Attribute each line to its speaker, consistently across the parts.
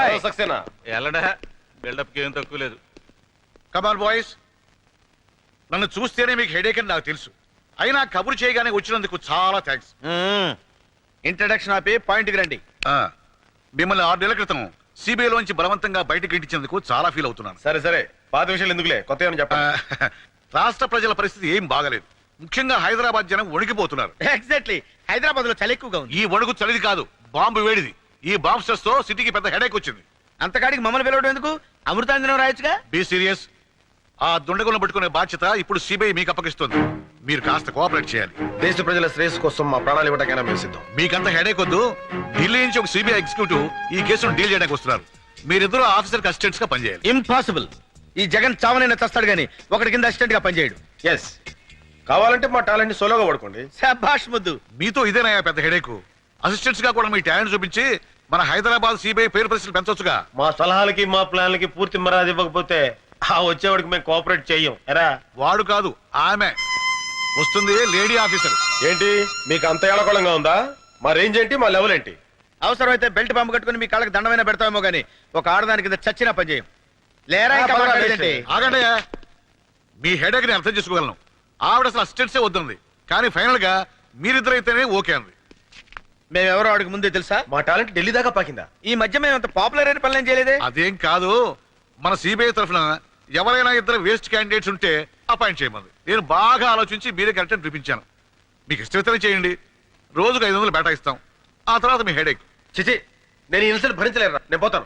Speaker 1: Hi
Speaker 2: Saxena
Speaker 1: ఎల్లడా buildup కి ఏం తక్కువ లేదు.
Speaker 3: కమాన్ బాయ్స్, నన్ను చూస్తేనే మీకు హెడేక్ అని నాకు తెలుసు. అయినా కబురు చేయగానే వచ్చినందుకు చాలా థ్యాంక్స్.
Speaker 2: ఇంట్రడక్షన్ ఆపి పాయింట్కి రండి.
Speaker 3: మిమ్మల్ని 6 నెలల క్రితం సిబిఐలోంచి బలవంతంగా బయటకు ఇంటించేందుకు చాలా ఫీల్ అవుతున్నాను.
Speaker 2: సరే సరే, పాత విషయాలు ఎందుకులే, కొత్త ఏమని చెప్పండి.
Speaker 3: రాష్ట్ర ప్రజల పరిస్థితి ఏం బాగలేదు. ముఖ్యంగా హైదరాబాద్ జనం వణికిపోతున్నారు.
Speaker 2: ఎగ్జాక్ట్లీ, హైదరాబాద్ లో చలి ఎక్కువగా ఉంది.
Speaker 3: ఈ వణుకు చలిది కాదు, బాంబు వేడిది. ఈ బాంబ్ స్ట్రెస్ తో సిటీకి పెద్ద హెడేక్ వచ్చింది.
Speaker 2: అంతకాడికి మమ్మల్ని పిలవడం ఎందుకు? అమృతాంజనం రాయొచ్చుగా.
Speaker 3: Be serious. ఆ దుండగులను పట్టుకునే బాధ్యత ఇప్పుడు సిబిఐ మీకు అప్పగిస్తుంది. మీరు కాస్త కోఆపరేట్ చేయాలి.
Speaker 4: దేశ ప్రజల శ్రేయస్సు కోసం మా ప్రాణాలు ఇవ్వడానికైనా మేము సిద్ధం.
Speaker 3: మీకంత హెడేక్ వద్దు. ఢిల్లీ నుంచి ఒక సిబిఐ ఎగ్జిక్యూటివ్ ఈ కేసును డీల్ చేయడానికి వస్తున్నారు. మీరిద్దరూ ఆఫీసర్ అసిస్టెంట్స్ గా పనిచేయాలి.
Speaker 2: ఇంపాసిబుల్. ఈ జగన్ చావనైనా చస్తాడు గానీ ఒకటి కింద అసిస్టెంట్ గా పనిచేయడు.
Speaker 4: ఎస్, కావాలంటే మా టాలెంట్ ని సోలోగా వాడుకోండి.
Speaker 2: శభాష్ ముద్దు.
Speaker 3: మీతో ఇదేనా పెద్ద హెడేక్? అసిస్టెంట్స్ గా కూడా మీ టాలెంట్ చూపించి మన హైదరాబాద్ సిబిఐ పేరు ప్రశ్నలు పెంచొచ్చుగా.
Speaker 4: మా సలహాలకి మా ప్లాన్లకి పూర్తి మర్యాద ఇవ్వకపోతే ఆ వచ్చేవాడికి మేము కోఆపరేట్ చెయ్యం. ఎరా,
Speaker 3: వాడు కాదు, ఆమె వస్తుంది, లేడీ ఆఫీసర్.
Speaker 4: ఏంటి మీకు అంత ఏళకోళంగా ఉందా? మా రేంజ్ ఏంటి, మా లెవెల్ ఏంటి?
Speaker 2: అవసరమైతే బెల్ట్ పంపు కట్టుకుని మీ కాళ్ళకి దండమైనా పెడతామేమో గానీ ఒక ఆడదాని కింద చచ్చినా పనిచేయం. లేరా ఇంకా మాట్లాడేదేంటి?
Speaker 3: ఆగండి. మీ హెడేక్ ని అర్థం చేసుకోగలను. ఆవిడ అసలు అసిస్టెంట్సే వద్దుంది, కానీ ఫైనల్ గా మీరిద్దరైతేనే ఓకే అంది.
Speaker 2: మేమెవరో ఆడికి ముందే తెలుసా?
Speaker 4: మా టాలెంట్ ఢిల్లీ దాకా పాకిందా?
Speaker 2: ఈ మధ్య మేము అంత పాపులర్ అయిన పనులు ఏం చేయలేదే.
Speaker 3: అదేం కాదు, మన సిబిఐ తరఫున ఎవరైనా ఇద్దరు వేస్ట్ క్యాండిడేట్స్ ఉంటే అపాయింట్ చేయమంది. నేను బాగా ఆలోచించి మీరే కరెక్ట్ అని చూపించాను. మీకు ఇష్టమైతేనే చేయండి. రోజుకు 500 బేటా ఇస్తాం. ఆ తర్వాత మీ హెడేక్.
Speaker 4: చిచి, నేను ఈ ఇన్సల్ట్ భరించలేరా, నేను పోతాను.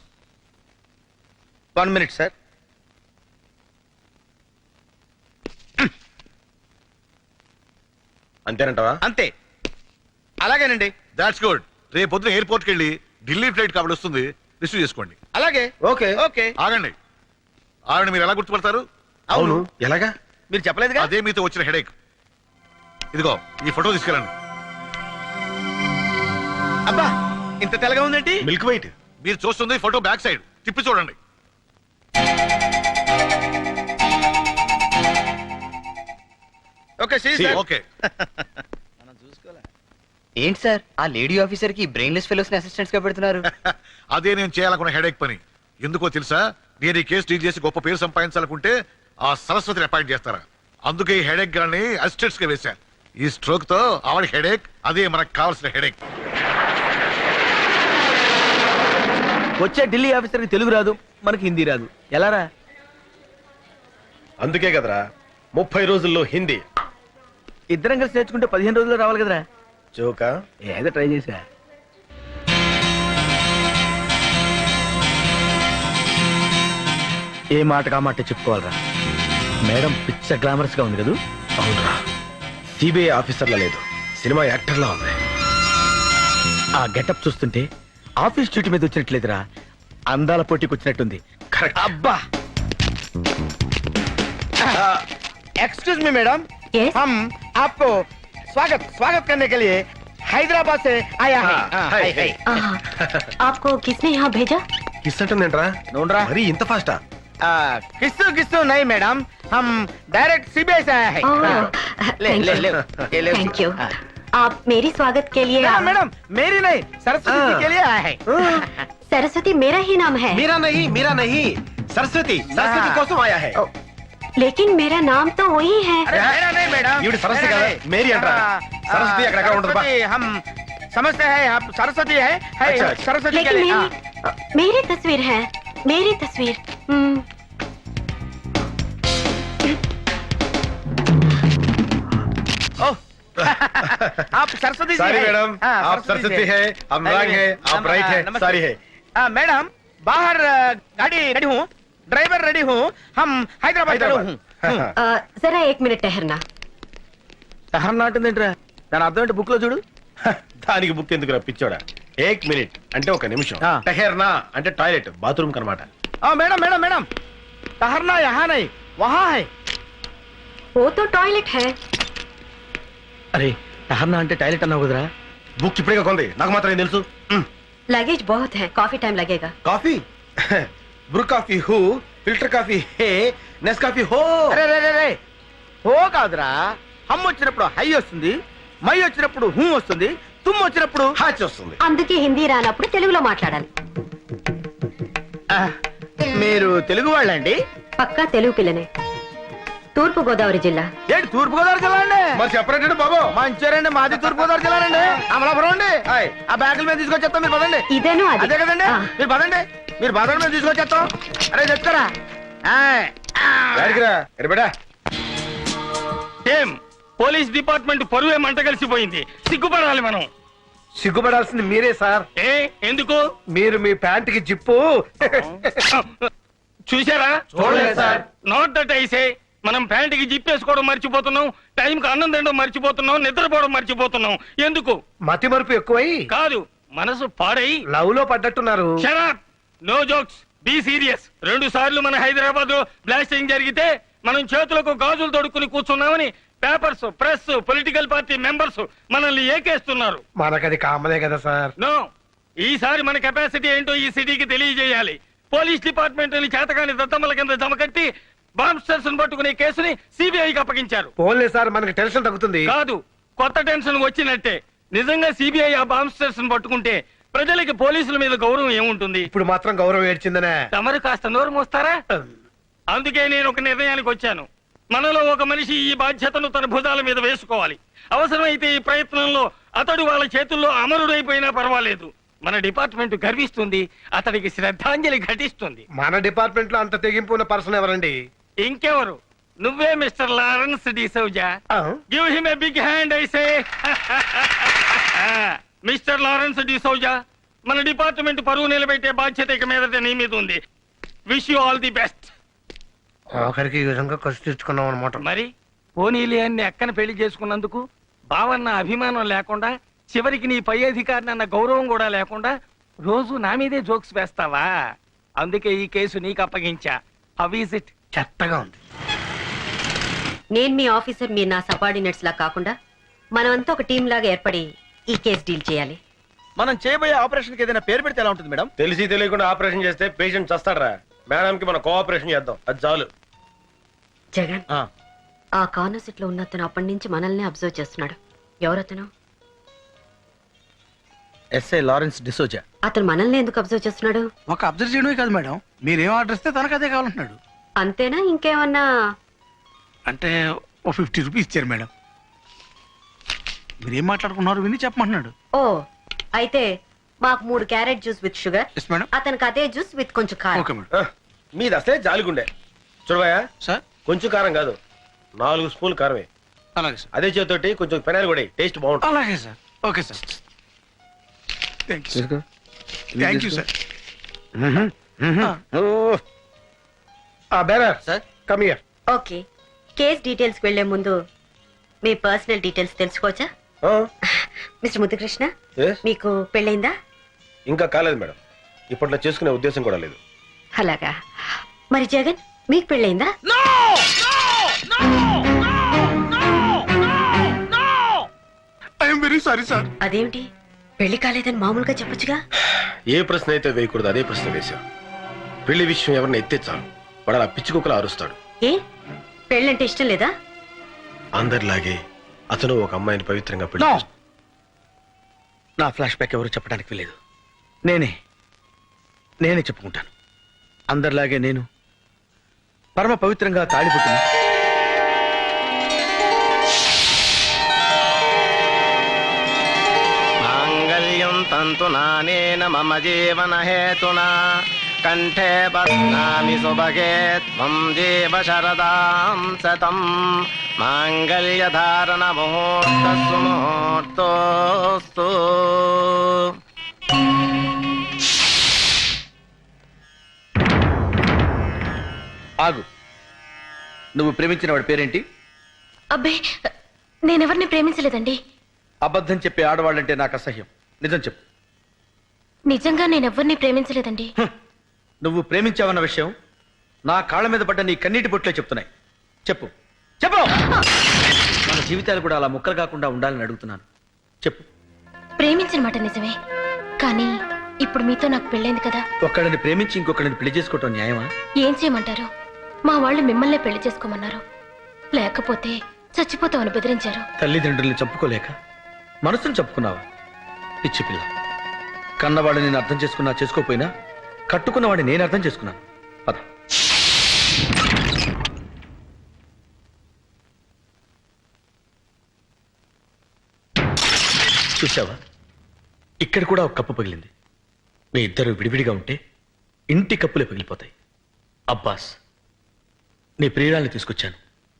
Speaker 2: 1 minute సార్.
Speaker 4: అంతేనంటావా?
Speaker 2: అంతే, అలాగేనండి.
Speaker 3: That's good. రేపు పొద్దున ఎయిర్పోర్ట్కి వెళ్ళి ఢిల్లీ ఫ్లైట్ కాబట్టి వస్తుంది, రిసీవ్ చేసుకోండి.
Speaker 2: అలాగే.
Speaker 4: Okay
Speaker 2: okay.
Speaker 3: ఆగండి. ఆవిడ మీరు ఎలా గుర్తుపడతారు?
Speaker 4: అవును, ఎలాగా?
Speaker 2: మీరు చెప్పలేదుగా.
Speaker 3: అదే మీతో వచ్చిన హెడేక్. ఇదిగో ఈ ఫోటో తీసుకెళ్ళండి.
Speaker 2: అబ్బా, ఇంత తెల్లగా ఉందేంటి?
Speaker 4: Milk white.
Speaker 3: మీరు చూస్తుంది ఫోటో బ్యాక్ సైడ్, తిప్పి చూడండి.
Speaker 2: Okay
Speaker 3: okay.
Speaker 5: ఏంటి సార్ ఆ లేడీ ఆఫీసర్ కి బ్రెయిన్లెస్ ఫెలోస్ ని అసిస్టెంట్స్ గా పెడుతున్నారు?
Speaker 3: అదే నేను చేయాలనుకున్న హెడేక్ పని. ఎందుకో తెలుసా? నేను ఈ కేసు డీల్ చేసి గొప్ప పేరు సంపాదించాలనుకుంటే ఆ సరస్వతిని అపాయింట్ చేస్తారా? అందుకే ఈ హెడేక్ గాని అసిస్టెంట్స్ గా వేశారు. ఈ స్ట్రోక్ తో ఆవిడ హెడేక్, అదే మనకు కావాల్సిన హెడేక్.
Speaker 2: వచ్చే ఢిల్లీ ఆఫీసర్ కి తెలుగు రాదు, మనకి హిందీ రాదు, ఎలారా?
Speaker 4: అందుకే కదరా 30 రోజుల్లో హిందీ.
Speaker 2: ఇద్దరం కలిసి నేర్చుకుంటే 15 రోజుల్లో రావాలి కదరా.
Speaker 4: జోకా?
Speaker 2: ఏదో ట్రై చేసా. ఏ మాట కా మాట చెప్పుకోవాలరా. మేడం పిచ్చ గ్లామరస్ గా ఉంది కదా.
Speaker 4: అవునరా, సిబిఐ ఆఫీసర్లా లేదు, సినిమా యాక్టర్లా ఉంది.
Speaker 2: ఆ గెటప్ చూస్తుంటే ఆఫీస్ డ్యూటీ మీద వచ్చినట్లేదురా, అందాల పోటీకి వచ్చినట్టుంది.
Speaker 4: కరెక్ట్.
Speaker 2: అబ్బా. एक्सक्यूज मी मैडम, हम आपको स्वागत करने के लिए हैदराबाद से आया है।
Speaker 6: आपको किसने यहाँ भेजा?
Speaker 4: కిస్ అంటుందేంట్రా?
Speaker 2: नोंड्रा
Speaker 4: మరి ఇంత ఫాస్టా?
Speaker 2: किस्सू नहीं मैडम, हम डायरेक्ट सीबीआई से आया है। ले ले ले ले।
Speaker 6: Thank you. आप मेरी स्वागत के लिए?
Speaker 2: मैडम मेरी नहीं, सरस्वती जी के लिए आया है।
Speaker 6: सरस्वती मेरा ही नाम है।
Speaker 4: మీరా नहीं సరస్వతి కోసం ఆయా హై.
Speaker 6: लेकिन मेरा नाम तो वही है।
Speaker 2: अरे मेरा नहीं मैडम,
Speaker 4: ఈవిడ సరస్వతి కదా, మేరీ అంటారా? సరస్వతి అక్కడ ఉండదు బా.
Speaker 2: हम समझते हैं आप सरस्वती है।
Speaker 4: अच्छा।
Speaker 2: सरस्वती के
Speaker 6: लेकिन
Speaker 2: लिए
Speaker 6: मेरी तस्वीर है, मेरी तस्वीर।
Speaker 2: आप सरस्वती जी
Speaker 4: सारी
Speaker 2: हैं?
Speaker 4: मैडम,
Speaker 2: हाँ,
Speaker 4: आप सरस्वती है, हम रंग है, आप राइट है,
Speaker 2: नमस्ते।
Speaker 4: सारी है।
Speaker 2: मैडम बाहर गाड़ी रेडी हूँ, ड्राइवर रेडी हूँ, हम हैदराबाद हूँ।
Speaker 6: जरा 1 मिनट ठहरना।
Speaker 2: సహనం నాటుందేంట్రా? దాని అర్థం ఏంటి బుక్ లో చూడు.
Speaker 4: దానికి బుక్ ఎందుకురా పిచ్చోడా? 1 మినిట్ అంటే 1 నిమిషం.
Speaker 2: ఆ.
Speaker 4: టహర్నా అంటే టాయిలెట్, బాత్రూమ్ కనమాట.
Speaker 2: मैडम मैडम मैडम, ठहरना यहाँ नहीं वहाँ है।
Speaker 6: वो तो टॉयलेट है।
Speaker 2: अरे ठहरना అంటే టాయిలెట్ అన్నావు కదరా.
Speaker 4: బుక్ ఇప్పుడే కొంది, నాకు మాత్రం ఏం తెలుసు.
Speaker 6: लगेज बहुत है, काफी टाइम लगेगा।
Speaker 4: కాఫీ బ్రూ కాఫీ హూ, ఫిల్టర్ కాఫీ హే, నెస్ కాఫీ హో.
Speaker 2: అరే రే రే, హో కాదురా. హమ్ వచ్చినప్పుడు హై వస్తుంది, మై వచ్చినప్పుడు హూ వస్తుంది, తుమ్ వచ్చినప్పుడు
Speaker 4: హాచ్ వస్తుంది.
Speaker 6: అందుకే హిందీ రానప్పుడు తెలుగులో మాట్లాడాలి.
Speaker 2: మీరు తెలుగు వాళ్ళండి?
Speaker 6: పక్కా తెలుగు పిల్లనే. తూర్పు గోదావరి జిల్లా.
Speaker 2: ఏంటి తూర్పు గోదావరి జిల్లా అండి?
Speaker 4: మరి చెప్పరండి బాబు.
Speaker 2: మంచిర్యాలండి, మాది తూర్పు గోదావరి జిల్లా అండి. అమలాపురం అండి. ఆ బ్యాగుల మీద తీసుకొచ్చేస్తాం, మీరు పదండి.
Speaker 6: ఇదేను అది.
Speaker 2: అదే కదండి,
Speaker 6: ఆ.
Speaker 2: మీరు పదండి, మీరు పదండి, మేము తీసుకొచ్చేస్తాం. అరే చెప్తారా?
Speaker 7: ఏం పోలీస్ డిపార్ట్మెంట్ పరువే మంట కలిసిపోయింది. సిగ్గుపడాలి మనం.
Speaker 4: సిగ్గుపడాల్సింది మీరే సార్.
Speaker 7: ఏ ఎందుకు
Speaker 4: మీరు మీ ప్యాంటుకి జిప్పు
Speaker 7: చూసారా?
Speaker 4: చూడలేదు సార్.
Speaker 7: Not that ఐసే. మనం ప్యాంటుకి జిప్పేసుకోవడం మర్చిపోతున్నాం, టైంకి అన్నం తినడం మర్చిపోతున్నాం, నిద్రపోవడం మర్చిపోతున్నాం. ఎందుకు?
Speaker 4: మతి మరుపు ఎక్కువై
Speaker 7: కాదు, మనసు పాడై
Speaker 4: లవ్ లో పడ్డట్టున్నారు.
Speaker 7: Shut up. No jokes, be serious. 2 సార్లు మన హైదరాబాద్ లో బ్లాస్టింగ్ జరిగితే మనం చేతులకు గాజులు తొడుక్కుని కూర్చున్నామని papers, press, political party members మనల్ని ఏకేస్తున్నారు.
Speaker 4: మనకది కామనే కదా సార్.
Speaker 7: నో, ఈసారి మన కెపాసిటీ ఏంటో ఈ సిటీకి తెలియజేయాలి. పోలీస్ డిపార్ట్మెంట్ చేతకాని దత్తమ్మల కింద జమకట్టి బాంబ్స్టర్స్ పట్టుకునే కేసుని సిబిఐకి అప్పగించారు.
Speaker 4: పోన్లే సార్, మనకి టెన్షన్ తగ్గుతుంది.
Speaker 7: కాదు, కొత్త టెన్షన్ వచ్చినట్టే. నిజంగా సిబిఐ ఆ బాంబ్స్టర్స్ పట్టుకుంటే ప్రజలకి పోలీసుల మీద గౌరవం ఏముంటుంది?
Speaker 4: ఇప్పుడు మాత్రం గౌరవం ఏడ్చిందనే.
Speaker 7: తమరు కాస్త నోరు మోస్తారా? అందుకే నేను ఒక నిర్ణయానికి వచ్చాను. మనలో ఒక మనిషి ఈ బాధ్యతను తన భుజాల మీద వేసుకోవాలి. అవసరమైతే ఈ ప్రయత్నంలో అతడు వాళ్ళ చేతుల్లో అమరుడైపోయినా పర్వాలేదు. మన డిపార్ట్మెంట్ గర్విస్తుంది, అతడికి శ్రద్ధాంజలి ఘటిస్తుంది.
Speaker 4: మన డిపార్ట్మెంట్ లో అంత తెగింపు ఉన్న పర్సన్ ఎవరండి?
Speaker 7: ఇంకెవరు? నువ్వే Mister Lawrence D'Souza. Give him a big hand I say. Mister Lawrence D'Souza, మన డిపార్ట్మెంట్ పరువు నిలబెట్టే బాధ్యత ఇక మీదట నీ మీద ఉంది. Wish you all the best.
Speaker 4: ఆఖరికి ఈ విధంగా ఖర్చు తెచ్చుకున్నాం అనమాట.
Speaker 7: మరి పోనీలి అన్ని అక్కన పెళ్లి చేసుకున్నందుకు బావన్న అభిమానం లేకుండా, చివరికి నీ పై అధికారిని అన్న గౌరవం కూడా లేకుండా రోజు నా మీదే జోక్స్ వేస్తావా? అందుకే ఈ కేసు నీకు అప్పగించా. How is it?
Speaker 4: చెత్తగా ఉంది.
Speaker 6: నేను మీ ఆఫీసర్, మీరు నా సబార్డినేట్స్ లా కాకుండా మనమంతా ఒక టీం లాగా ఏర్పడి ఈ కేసు డీల్ చేయాలి.
Speaker 2: మనం చేయబోయే ఆపరేషన్ కి ఏదైనా పేరు పెడితే ఎలా ఉంటుంది మేడం?
Speaker 4: తెలిసి తెలియకుండా ఆపరేషన్ చేస్తే పేషెంట్ చస్తాడరా. మేడం కి మనం కోఆపరేషన్ చేద్దాం, అది చాలు.
Speaker 6: జగన్, ఆ కార్నర్ సీట్ లో ఉన్న అతను అప్పటి నుంచి మనల్ని అబ్జర్వ్ చేస్తున్నాడు. ఎవరతను?
Speaker 2: SI Lawrence D'Souza.
Speaker 6: అతను మనల్ని ఎందుకు అబ్జర్వ్ చేస్తున్నాడు?
Speaker 2: ఒక అబ్జర్వ్ చేయడమే కాదు మేడం, మీరేం ఆర్డర్ ఇస్తే తనకు అదే కావాలంటున్నాడు.
Speaker 6: అంతేనా? ఇంకేమన్నా?
Speaker 2: అంటే ఓ 50 రూపీస్ ఇచ్చారు మేడం. మీరేం మాట్లాడుకున్నారు విని చెప్పమంటున్నాడు.
Speaker 6: ఓ, అయితే మాకు 3 carrot juice with sugar,
Speaker 2: yes madam.
Speaker 6: అతనికి అదే జ్యూస్ విత్ కొంచెం కారం.
Speaker 2: Okay madam.
Speaker 4: మీది అసలే జాలిగుండే. చూడవయ్యా,
Speaker 2: సార్
Speaker 4: కొంచెం కారం కాదు, 4 స్పూన్లు కారమే.
Speaker 2: అలాగే సార్.
Speaker 4: అదే చేతోటి కొంచెం పెనాలు కూడా టేస్ట్ బాగుంటుంది.
Speaker 2: అలాగే sir. Okay sir. Thank you sir.
Speaker 4: Bearer
Speaker 5: sir
Speaker 4: come here.
Speaker 6: Okay, case details వెళ్లే ముందు మీ పర్సనల్ డీటెయిల్స్ తెలుసుకోవచ్చా? మిస్టర్ ముద్దుకృష్ణ, మీకు పెళ్ళైందా?
Speaker 4: ఇంకా కాలేదు మేడం, ఇప్పట్లో చేసుకునే ఉద్దేశం కూడా లేదు.
Speaker 6: అలాగా. మరి జగన్, మీకు పెళ్ళైందా?
Speaker 2: I'm very sorry sir.
Speaker 6: అదేమిటి, పెళ్లి కాలేదని మామూలుగా చెప్పొచ్చుగా?
Speaker 4: ఏ ప్రశ్న అయితే వేయకూడదు అదే ప్రశ్న వేశా. పెళ్లి విషయం ఎవరిని ఎత్తే చాలు వాడు అలా పిచ్చుకోకలా అరుస్తాడు.
Speaker 6: ఏ, పెళ్ళంటే ఇష్టం లేదా?
Speaker 4: అందరిలాగే అతను ఒక అమ్మాయిని పవిత్రంగా పెళ్లి
Speaker 2: No.
Speaker 4: చేసుకున్నాడు.
Speaker 2: నా ఫ్లాష్ బ్యాక్ ఎవరు చెప్పడానికి వీలేదు. నేనే చెప్పుకుంటాను. అందరిలాగే నేను పరమ పవిత్రంగా తాళిపుట్టిన
Speaker 8: మాంగళ్యం తంతు నానేన మమ జీవన హేతునా కంఠే బధ్నామి సుభగే త్వం జీవ శరదాం శతం మాంగళ్య ధారణ ముహూర్తస్సు ముహూర్తోస్తు.
Speaker 2: ఆగు. నువ్వు ప్రేమించిన వాడి పేరేంటి?
Speaker 9: అబ్బే, నేనెవరిని ప్రేమించలేదండి.
Speaker 2: అబద్ధం చెప్పే ఆడవాళ్ళంటే నాకు అసహ్యం. నిజం చెప్పు.
Speaker 9: నిజంగా నేనెవరిని ప్రేమించలేదండి.
Speaker 2: నువ్వు ప్రేమించావన్న విషయం నా కాళ్ళ మీద పడ్డ నీ కన్నీటి బొట్లే చెప్తున్నాయి. చెప్పు చెప్పు. మన జీవితాలు కూడా అలా ముక్కలు కాకుండా ఉండాలని అడుగుతున్నాను. చెప్పు.
Speaker 9: ప్రేమించిన మాట నిజమే, కానీ ఇప్పుడు మీతో నాకు పెళ్ళైంది కదా.
Speaker 2: ఒక్కడిని ప్రేమించి ఇంకొకడిని పెళ్లి చేసుకోవటం న్యాయమా?
Speaker 9: ఏం చేయమంటారు? మా వాళ్ళు మిమ్మల్నే పెళ్లి చేసుకోమన్నారు, లేకపోతే చచ్చిపోతామని బెదిరించారు.
Speaker 2: తల్లిదండ్రుల్ని చంపుకోలేక మనసును చంపుకున్నావా? పిచ్చి పిల్ల. కన్నవాళ్ళని నేను అర్థం చేసుకున్నా చేసుకోపోయినా కట్టుకున్నవాడిని నేను అర్థం చేసుకున్నాను. పద. చూసావా, ఇక్కడ కూడా ఒక కప్పు పగిలింది. మీ ఇద్దరు విడివిడిగా ఉంటే ఇంటి కప్పులే పగిలిపోతాయి. అబ్బాస్, నీ ప్రియురాల్ని తీసుకొచ్చాను.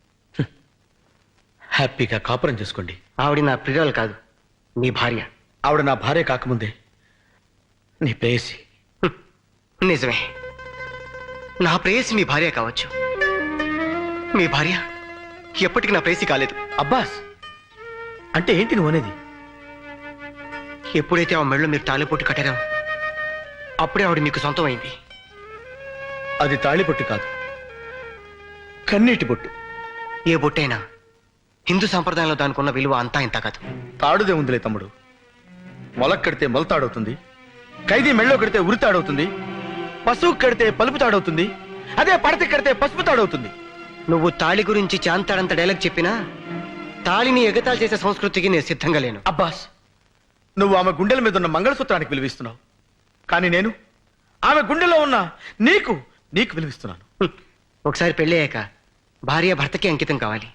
Speaker 2: హ్యాపీగా కాపురం చేసుకోండి.
Speaker 5: ఆవిడ నా ప్రియురాలు కాదు, మీ భార్య.
Speaker 2: ఆవిడ నా భార్య కాకముందే నీ ప్రేయసి.
Speaker 5: నిజమే, నా ప్రేయసి మీ భార్య కావచ్చు. మీ భార్య ఎప్పటికీ నా ప్రేయసి కాలేదు.
Speaker 2: అబ్బాస్, అంటే ఏంటి నువ్వు అనేది?
Speaker 5: ఎప్పుడైతే ఆ మెడలో మీరు తాళిపొట్టు కట్టారో అప్పుడే ఆవిడ మీకు సొంతం అయింది.
Speaker 2: అది తాళిబొట్టు కాదు, కన్నీటి బొట్టు.
Speaker 5: ఏ బొట్టైనా హిందూ సంప్రదాయంలో దానికి ఉన్న విలువ అంతా ఇంత కాదు.
Speaker 2: తాడుదే ఉందిలే తమ్ముడు. మొలక్ కడితే మొలతాడవుతుంది, ఖైదీ మెళ్ళో కడితే ఉరితాడవుతుంది, పశువు కడితే పలుపు తాడవుతుంది, అదే పడతి కడితే పసుపు తాడవుతుంది.
Speaker 5: నువ్వు తాళి గురించి చాంతాడంత డైలాగ్ చెప్పినా తాళిని ఎగతాళి చేసే సంస్కృతికి నేను సిద్ధంగా లేను.
Speaker 2: అబ్బాస్, నువ్వు ఆమె గుండెల మీద ఉన్న మంగళసూత్రానికి విలువిస్తున్నావు, కానీ నేను ఆమె గుండెలో ఉన్న నీకు విలువిస్తున్నాను.
Speaker 5: ఒకసారి పెళ్ళయ్యాక భార్య భర్తకి అంకితం కావాలి.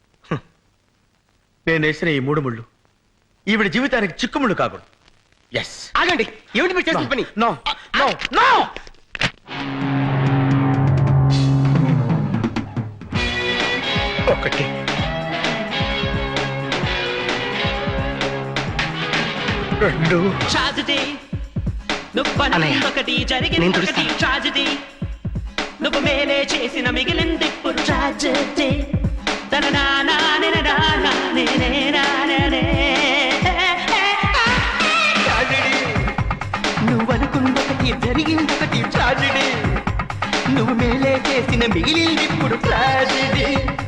Speaker 2: నేను వేసిన ఈ 3 ముళ్ళు ఈవిడ జీవితానికి చిక్కుముళ్ళు కాకూడదు. ఎస్.
Speaker 5: ఆగండి, ఏమిటి మీరు చేసిన పని?
Speaker 2: No no no. ఒకటి, రెండు.
Speaker 5: అన్నయ్య, నేను తుడుస్తాను.
Speaker 10: నువ్వు మేలే చేసిన మిగిలింది ఇప్పుడు ట్రాజెడీ. నువ్వు అనుకున్నొకటి జరిగిందొకటి ట్రాజెడీ. నువ్వు మేలే చేసిన మిగిలింది ఇప్పుడు ట్రాజెడీ.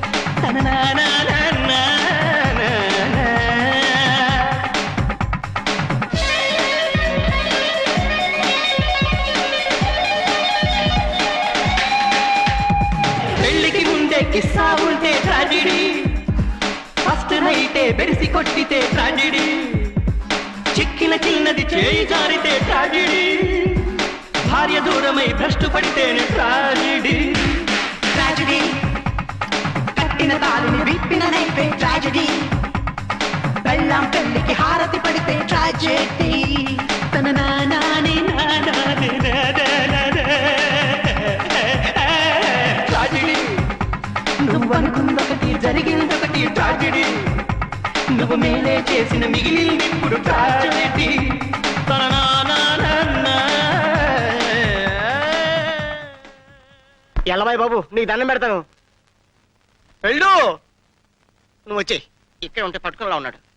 Speaker 10: పెళ్లికి ముందే కిస్సా ఉంటే ట్రాజెడీ, ఫస్ట్ నైటే బెడిసి కొట్టితే ట్రాజెడీ, చిక్కిన చిన్నది చేయి జారితే ట్రాజెడీ, భార్య దూరమై భ్రష్టు పడితేనే ట్రాజెడీ. ట్రాజెడీ, కట్టిన తాళిని విప్పిన నైపే ట్రాజెడీ, బెల్లం పెళ్లికి హారతి పడితే ట్రాజెడీ. తన నానాని ట్రాజెడీ. నువ్వు అనుకుందొకటి జరిగిందొకటి ట్రాజెడీ. నువ్వు మేలే చేసిన మిగిలింది ఇప్పుడు ట్రాజెడీ.
Speaker 5: ఎల్లబాయ్ బాబు, నీకు దండం పెడతాను. వెళ్ళు. నువ్వు వచ్చేయ్, ఇక్కడ ఉంటే పట్టుకునేలా ఉన్నాడు.